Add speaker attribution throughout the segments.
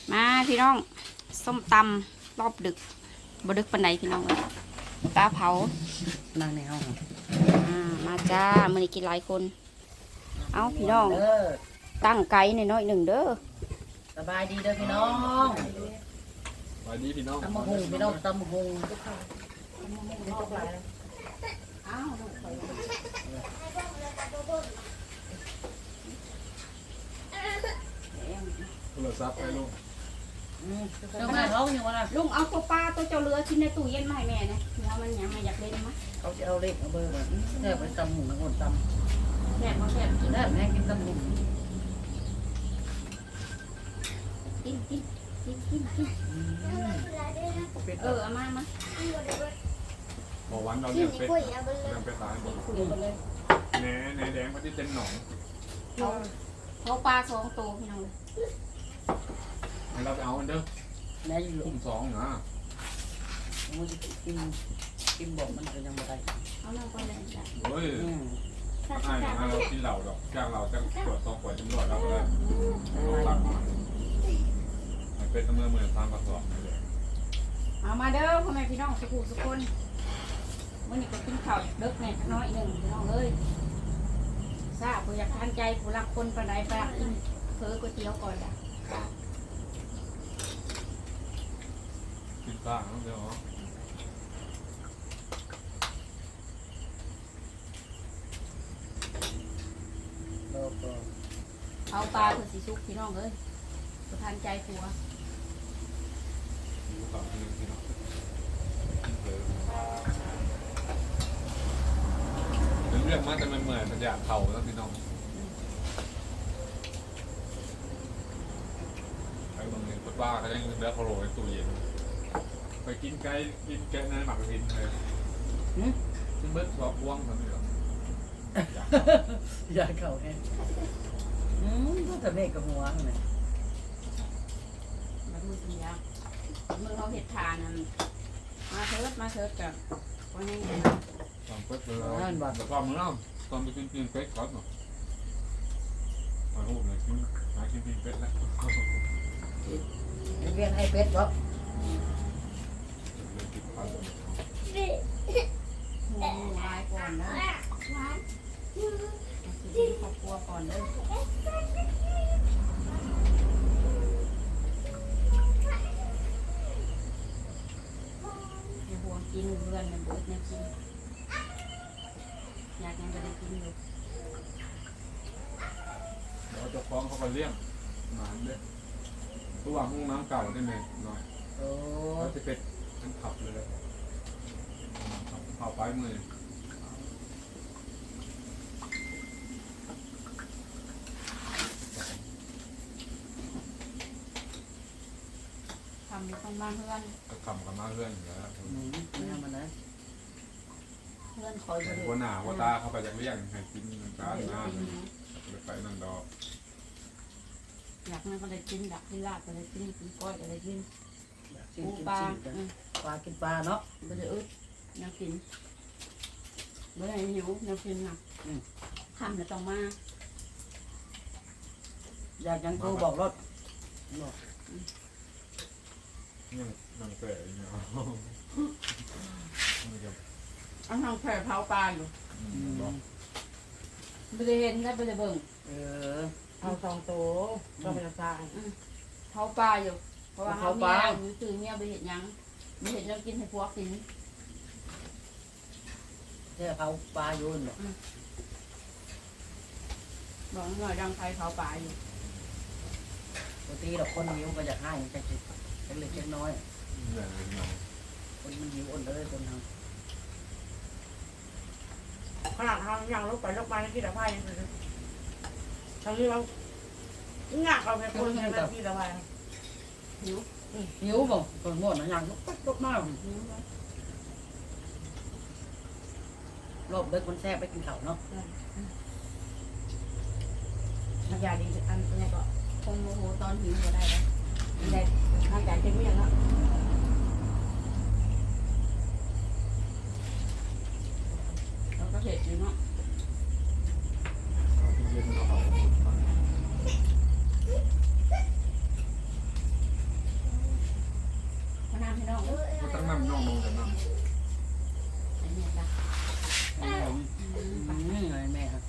Speaker 1: มาพี่น้องส้มตำรอบดึกบดึกปันใดพี่น้องเลยปลาเผา
Speaker 2: นั่งในห้อง
Speaker 1: มาจ้ามื้อนี้กินหลายคนเอาพี่น้องตั้งไก่หน่อยหนึ่งเด้อ
Speaker 2: สบายดีเด้อพี่น้อง
Speaker 3: สบายดีพี่น้อง
Speaker 2: ตำมะฮุงพี่น้องตำมะฮุง
Speaker 3: โทรศัพท์ให้ลูก
Speaker 2: เจ้าแม่ร้องอยู่วะนะ
Speaker 1: ลุงเอาตัวปลาตัวเจ้าเรือชิ้นในตู้เย็นมาให้แม่นะหัวมันยังไม่อยากเล่นมั้ย
Speaker 2: เขาจะเอาเล็กเอาเบอร์แบบแค่ไปตำหุ่นนะคนต
Speaker 1: ำแซ่บมาแซ่บ
Speaker 2: กินได้แม่กินตำหุ่น
Speaker 1: กินเอามา
Speaker 3: บอกวันเราเลี้ยงเป็ดเลี้ยงเป็ดตายหมดแหน่แดงพอดีเต็มหนอง
Speaker 1: เขาปลา2 ตัวพี่น้องเลย
Speaker 3: ให้เราไปเอาเด้อ
Speaker 2: แม่อยู่
Speaker 3: คุ้ม2นะ
Speaker 2: มันจะกินบอกมันจะยังไม่ได้
Speaker 1: เอาน้ำก่อนเลยจ้ะ
Speaker 3: เฮ้ยเรากินเหล่าดอกจ้างเราจะขวด2 ขวดจำนวนเราก็ได้ตักมาเป็ดเมื่อทางกระสอบเลย
Speaker 1: เอามาเด้อพ่อแม่พี่น้องสุขุสุขคนมื่อนี้ก็กินข้าวเด็กแน่น้อยหนึ่งพี่น้องเอ้ยทราบผู้อยากทานใจผู้รักคนปานใดปานกินเพิ่อก๋วยเตี๋ยวก่อนจ้ะ
Speaker 3: กินปลาเดี๋ยว
Speaker 1: เอาปลาเพื่อสีสุกพี่น้องเอ้ยผู้ทานใจผัว
Speaker 3: ต่อที่พี่น้องเรื่องมาแต่มันเหมือนมันอยากเผาแล้วพี่น้องไอ้บางทีก็บ้าเขายังเลือกโคโรในตู้เย็นไปกินไก่กินแกะในหมักลิ้นเลยซึ่งเบิร์ดสอบว่างทำไมหรอ
Speaker 2: อยากเข่าแห้งก็จะเมฆกับหัวเลย
Speaker 1: แบบมือสัญญามือเขาเห็ดทานนั่นมาเถิดกับคนยังไง
Speaker 3: ตอนเปิดเลยแต่ตอนมื้อนั้นตอนไปกินเป็ดก่อนเนาะมาหูเลยกินเป็ดแล้ว
Speaker 2: เรียนให้เป็ดบ่
Speaker 1: ลายก่อนนะครอบครัวก่อนเลยอย่าห่วงกินเพื่อนมันเบิดเนี่ยกินอยากยังจะได้กินอยู่
Speaker 3: เราจะฟ้องเขาไปเลี้ยงหมาเนี่ยตัวห้องน้ำเก่าได้ไหมหน่อยเขาจะเป็นมันขับเลยขับไปมือ
Speaker 1: ทำอยู่ข้างบ้านเพื่อน
Speaker 3: ก็ขับกับมาเพื่อนอยู่แล้ว
Speaker 2: ไม่ทำมันนะ
Speaker 1: เพื่อนคอย
Speaker 3: หัวหน้าหัวตาเขาไปจากเลี้ยงให้กินการงานไปนั่นดอก
Speaker 1: อยากนั่นก็เลยกินดักที่ลาดก็เลยกินก้อยก็เลยกินปูปลา
Speaker 2: กินปลาเนาะ
Speaker 1: ก็เลยอึดยังกินเมื่อไหร่หิวยังกินนะทำแล้วต้องมา
Speaker 2: อยากยังกูบอกรถ
Speaker 3: นั่งเตะอย่างเงี้ย
Speaker 1: เอาทางแผ่เผาปลาอยู่ไม่ได้เห็นได้ไม่ได้เบิ่ง
Speaker 2: เอา2 ตัวก็เป็นปลา
Speaker 1: เผาปลาอยู่เพราะว่าเขาเมียอยู่ตื่นเมียไปเห็นยังไม่เห็นยังกินให้พวกกิน
Speaker 2: เนี่ยเผาปลาอยู่เนาะ
Speaker 1: บอกหน่อยดังไฟเผาปลาอยู่
Speaker 2: ปกติเราคนหิวก็อยากให้แค่เล็กน้อยคนมันหิวอ่อนเลยคนทำ
Speaker 1: ขนาดทางอย่างลูกไปที่ตะไคร้ทางนี้เรางักเอาไปคนในที่ตะไคร้
Speaker 2: หิวบ่คนหมดนะอย่างลุกมากรอบเด็กคนแซ่บไปกินข้าวเนาะ
Speaker 1: ยาดีอันนี้ก็คงโมโหตอนหิวก็ได้แล้วได้ทางใจเต็มไม่ยังละเราก็เผ็ดอยู่เนาะ
Speaker 3: น้องกันน้
Speaker 1: อันนี้ละ
Speaker 2: นี่ไงแม่ครับ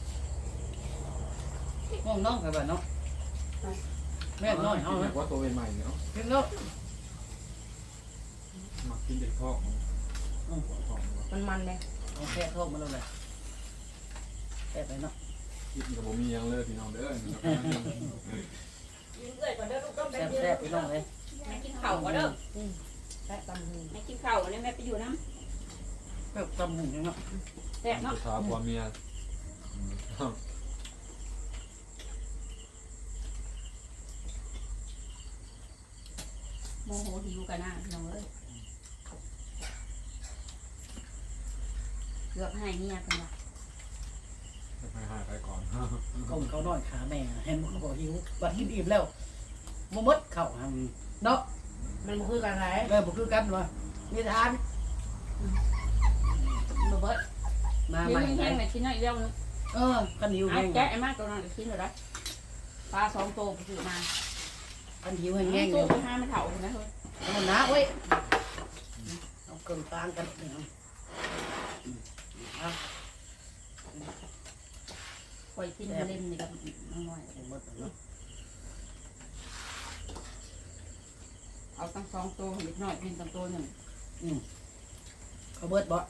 Speaker 2: น้องน้องไปบ้านเนาะ
Speaker 3: ำ
Speaker 2: แม่น้อยเอาเลย
Speaker 3: ว่าตัวใหม่เนาะ
Speaker 2: กินเนาะ
Speaker 3: มากินเด็กท้อง
Speaker 1: มันเลย
Speaker 2: เอาแค่ทอดมาแล้วเลยแค่ไปเนาะ
Speaker 3: กินกับผมมียังเลยพี่น้องเด้อ
Speaker 1: กินเลยก่อนเด้อลูกต้อง
Speaker 2: แซ่บแซ่บไปน้องเลย
Speaker 1: แม่กินข้าวก่อนเด้อแซ่บตำหูแม่กินข้าวเนี่ยแม่ไปอยู่น้
Speaker 2: แบบตำหุ่นเนาะ
Speaker 1: ำแซ่บเนาะ
Speaker 3: ชาพอเมีย
Speaker 1: โมโหหิวกันนะพี่น้องเอ้ยเกือบให้เมียกันละ
Speaker 3: จะไปหาใครก่อน
Speaker 2: ก้มเขาน้อยขาแม่เห็นเขาบอกหิวบัดกินอิ่มแล้วมมดเข่าเนาะ
Speaker 1: มันบ่คือกันไร
Speaker 2: เลยบุคือกันวะมีทาน
Speaker 1: บ่เบิด
Speaker 2: มา
Speaker 1: หิ
Speaker 2: ให
Speaker 1: ว
Speaker 2: ม่
Speaker 1: แห้งๆน่ะกินน้อยเดียวนึง
Speaker 2: ขันหิว
Speaker 1: ไอ้
Speaker 2: แห้ง
Speaker 1: แกะไอ้มากตัวนั้นกินเลยได้ปลา2 ตัวไปซื้อมา
Speaker 2: ขันหิวแห้งๆ
Speaker 1: ตั
Speaker 2: เล
Speaker 1: วย ไปหาไม่เท่านะเฮ้ย
Speaker 2: มันนะเว้ยเอาเกินกลางกันเนี่ยเอา
Speaker 1: ปล่อยกินเล่นนี่กับน้อย
Speaker 2: หมดเนาะ
Speaker 1: เอาตั้ง2 ตัวเล็กน้อยกินตั้งตัวหนึ่ง
Speaker 2: เขาเบิดบ่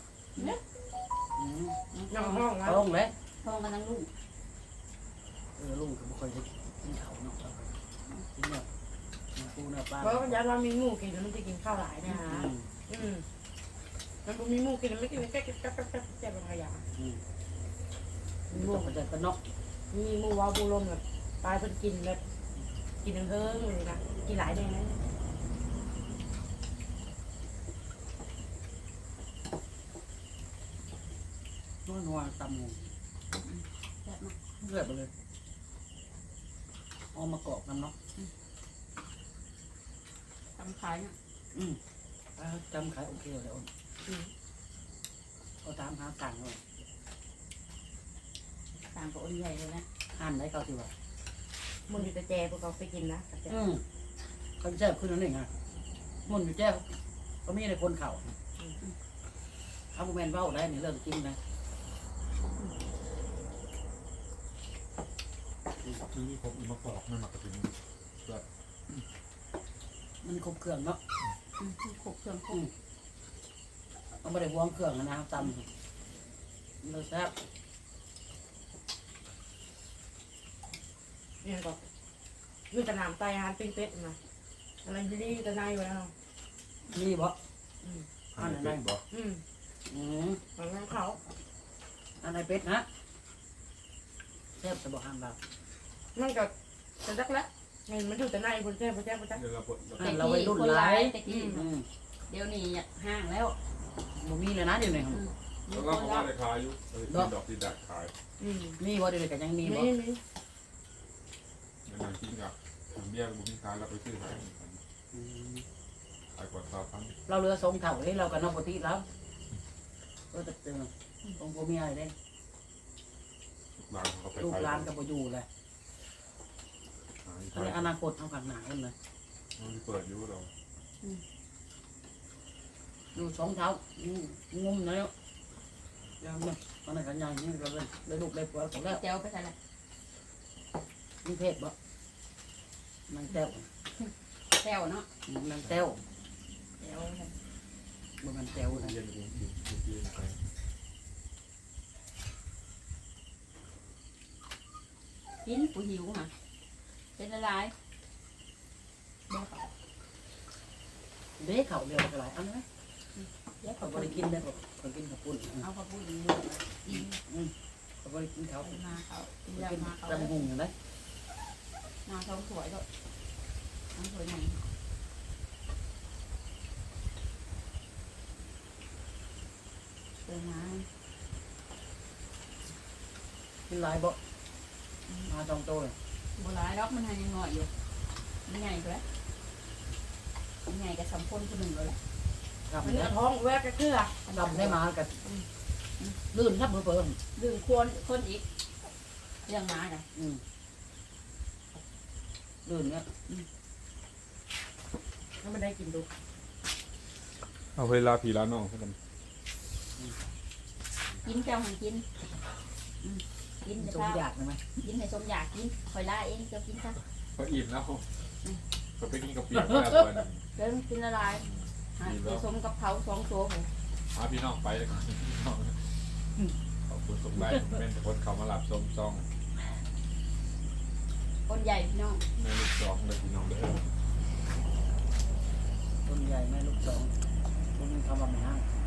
Speaker 1: น้องห้องแล้ว
Speaker 2: ต้องเลย
Speaker 1: ห้องกันทั้งลูก
Speaker 2: ลุงก็ไม่ค่อยจะกินเขาเนาะกินเนาะปูเนาะปลา
Speaker 4: เพราะมันยันว่ามีหมูกินแล้วมันจะกินข้าวหลายนะฮะมันมีหมูกินแล้วไม่กินแค่แค่บางอย่าง
Speaker 2: มีลูกมันจะกระนก
Speaker 4: มีหมูว้าวบูลมแบบปลาเพิ่นกินแบบกินทั้งเพิ่งเลยนะกินหลายแดงนะ
Speaker 2: นัวตำหมู
Speaker 1: แบบมา
Speaker 2: เลือดไปเลยเอามากอกน้ำเนาะ
Speaker 1: ทำขายนะ
Speaker 2: จำขายโอเคเลยเอาตามหาต่างเลย
Speaker 1: ต่างกับอ้นใหญ่เลยนะ
Speaker 2: อ่านได้เขาสิว่า
Speaker 4: มันอยู่แต่แจพวกเขาไปกินนะ
Speaker 2: เขาแจ้ขึ้นนั่นเองฮะมันอยู่แจ้ก็มีในคนเข่าถ้าบุแมนเบ้าได้เนี่ยเริ่มกินนะ
Speaker 3: ซื้อผมมาปอกไม่มากระถิ่น
Speaker 2: มันครบเครื่องเนาะ
Speaker 1: ขบเครื่องคง
Speaker 2: ต้องไม่ได้วงเครื่องนะตำเราแซ่บ
Speaker 4: เนี่ยก็อยู่แต่น้ำไตอาหารปิ้งเป็ดนะอะไรอยู่นี่แต่นายอยู่แล้ว
Speaker 2: นี่บ่
Speaker 3: หาเป็ดบอก
Speaker 4: ของน้ำเขา
Speaker 2: อันไหนเป็ดนะแซ่บจะบอกห้ามเรา
Speaker 4: มันก็จะดักแล้วมันอยู่แต่นายคนแก่คนแก่คนแก่
Speaker 3: เดี๋ยวเราปวด
Speaker 2: เราไปรุ่นหลาย
Speaker 1: แต่กี้เดี๋ยวนี้ห่างแล้ว
Speaker 2: บ่มีเลยนะเดี๋ยวนี้
Speaker 3: แล้วเราก็ว่าได้ขายอยู่ดอกที่ดักขาย
Speaker 2: มีบ่เดี๋ยวนี้ก็ยังมีบ่
Speaker 4: นี่
Speaker 3: ในนางกินกับเบี้ยบุญขายเราไปซื้อขายขายกว่า3,000
Speaker 2: เราเรือทรงเถ่าเลยเราก็นอกปกติแล้วก็จะเจอตรงโบมีอะไรได้
Speaker 3: ร้านเขาไป
Speaker 2: ลูก
Speaker 3: ขาย
Speaker 2: หลานกับโบอยู่เลยในอนาคตเอาขันหนากันเลย
Speaker 3: มันเปิดอยู่เรา
Speaker 2: ดูสองเท้างุ้มแล้วยังเนี่ยตอนนั้นกันยังนี่ก็เลยได้ลูกได้ผัวของแล้ว
Speaker 1: เจ้าไปใส่ละ
Speaker 2: มีเพศบ่นางแต้ว
Speaker 1: แต้วเนาะ
Speaker 2: นางแต้ว
Speaker 1: เดี๋ยว
Speaker 2: บ่มันแต้วนะ
Speaker 3: เย็นไป
Speaker 1: กินกูหิวค่ะเป็นอะไร
Speaker 2: เด็กเขาเดียวกันหลายอันไหม
Speaker 1: เดี๋ยว
Speaker 2: เขา
Speaker 1: เขา
Speaker 2: บ่ได้กินได้บ่เขากินข้าวปุ้น
Speaker 1: เอาเขาพูดดีกิน
Speaker 2: เขาบ่ได้กินเขา
Speaker 1: มาเขากิน
Speaker 2: กิ
Speaker 1: ยาน มาเขา
Speaker 2: ตำหุงอย่างไร
Speaker 1: มาท้องสวยด้วยท้องสวยหนึ่งเติมน้
Speaker 2: กินหลายบ่มาจองโตเลย
Speaker 1: ำโบราณล็อกมันยังงอยอยู่มันใหญ่ไปแล้วมันใหญ่กับสำพนคนหนึ่งเลย
Speaker 2: กลับ
Speaker 4: มัน
Speaker 2: ได้
Speaker 4: ท้องแวกกระเทือก
Speaker 2: ลับได้มากับลื่นครับเพิ่ม
Speaker 1: ดื่มควรคนอีกเรื่องมากัน
Speaker 2: ลื่นเนี่ย
Speaker 4: แล้วมันได้กินดู
Speaker 3: เอาเวลาพี่ร้านน้องกัน
Speaker 1: กินเจ้าหันกินกิน
Speaker 2: ส
Speaker 1: เจ้าม
Speaker 2: อยากไหม
Speaker 1: กินให้สมอยากกินคอยล่าเองเจ้ากินซะ
Speaker 3: ก็อิ่มแล้วก็ไปกินกับเปียกแล้วเพื่อน
Speaker 1: เดินกินละลายผสมกับเผา2ตัวผม
Speaker 3: พาพี่น้องไปเลยขอบคุณสมบัติเป็นคนเขามาหลับส้มซอง
Speaker 1: คนใหญ่พี่น้อง
Speaker 3: ในลูกซองเลยพี่น้องเด้อ
Speaker 2: ต้นใหญ่แม่ลูกสองต้นคำว่าไม่ห้าง